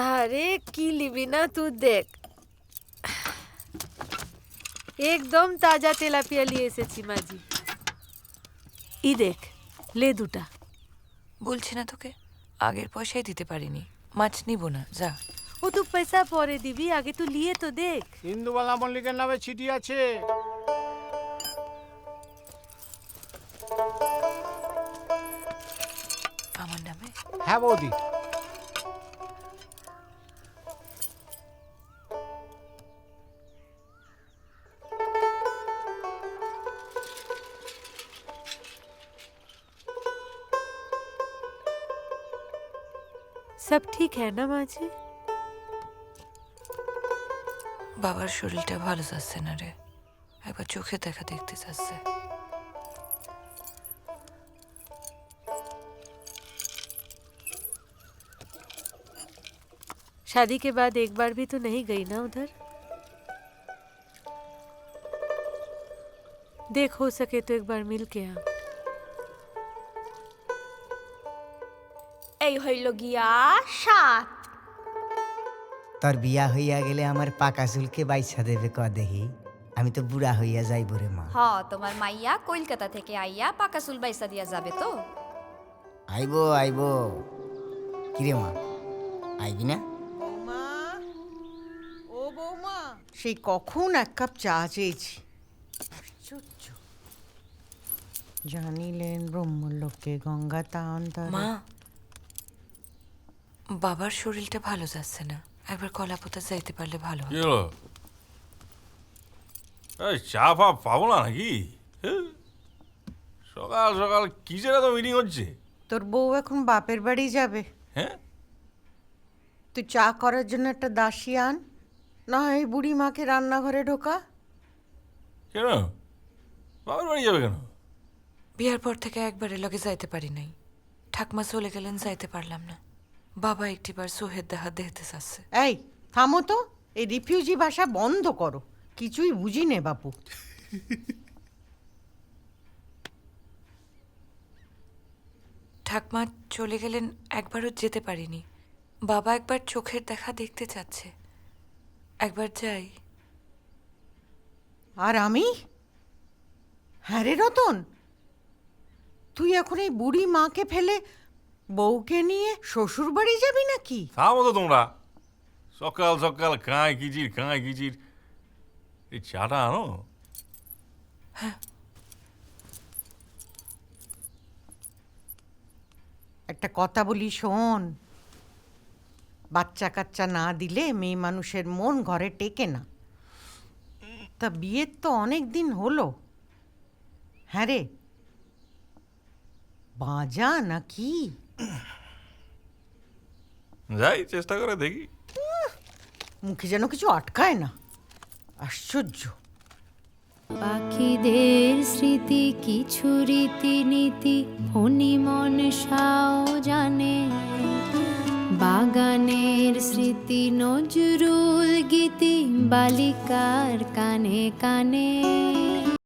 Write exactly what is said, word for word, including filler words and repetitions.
আরে কি লিবি না তুই দেখ, একদম তাজা তেলাপিয়া নিয়ে এসেছি মাঝি। ই দেখ, লে দুটা। বলছি না তোকে, আগের পয়সাই দিতে পারিনি, মাছ নিব না, যা। ও তুই পয়সা পরে দিবি, আগে তুই লিয়ে তো দেখ। ইন্দুবালা মল্লিকের নামে চিঠি আছে। আমার নামে? হ্যাঁ বৌদি। সব ঠিক है ना মাঝি? বাবার শরীরটা ভালো যাচ্ছে না রে, একবার চোখে দেখা দেখতে চাচ্ছে। शादी के बाद एक बार भी तो नहीं गई ना उधर? देख हो सके तो एक बार मिल के आ। এই হইল গিয়া সাত। তোর বিয়া হইয়া গেলে আমার পাকা চুলকে বাইছা দেবে ক দেহি, আমি তো বুড়া হইয়া যাইব রে মা। হ, তোমার মাইয়া কলকাতা থেকে আইয়া পাকা চুল বাইসা দিয়া যাবে তো। আইব আইব। কিরে মা, আইবি না? বৌমা, ও বৌমা, সেই কখন এক কাপ চা চেয়েছি। আশ্চর্য। জানিলেন ব্রহ্মলোকে গঙ্গা তান্তরে। মা, বাবার শরীরটা ভালো যাচ্ছে না, একবার কলাপোতা যাইতে পারলে ভালো কি হয়। হলো? এই চা ফা পাবো না নাকি? হ্যাঁ? সকাল সকাল কি যেন তো মিটিং হচ্ছে। তোর বউ এখন বাপের বাড়ি যাবে, হ্যাঁ, তুই চা করার জন্য একটা দাসী আন, না হয় এই বুড়ি মাকে রান্নাঘরে ঢোকা। কেন বাবার বাড়ি যাবে কেন? বিয়ার পর থেকে একবারের লগে যাইতে পারি নাই, ঠাকমা চলে গেলেন, যাইতে পারলাম না। বাবা একটিবার সোহেদ দেখা দেখতে চাচ্ছে। এই থামো তো, এই রিফিউজি ভাষা বন্ধ করো, কিছুই বুঝি নে বাপু। ঠাকমা চলে গেলেন, একবারও যেতে পারিনি। বাবা একবার চোখের দেখা দেখতে চাচ্ছে, একবার যাই। আর আমি? হ্যাঁ রে রতন, তুই এখন এই বুড়ি মাকে ফেলে বউকে নিয়ে শ্বশুর বাড়ি যাবি নাকি? থামো তো তোমরা, সকাল সকাল কাঁয় কিচির কাঁয় কিচির। এই চাটা আনো। একটা কথা বলি শোন, বাচ্চা কাচ্চা না দিলে মেয়ে মানুষের মন ঘরে টেকে না। তা বিয়ের তো অনেক দিন হলো, হ্যাঁ রে, বাজা নাকি? যাই, চেষ্টা করে দেখি। মুখে যেন কিছু আটকায় না, আশ্চর্য। পাখিদের স্মৃতি কিছু রীতিনীতি ফণি মনসাও জানে, বাগানের স্মৃতি নজরুল গীতি বালিকার কানে কানে।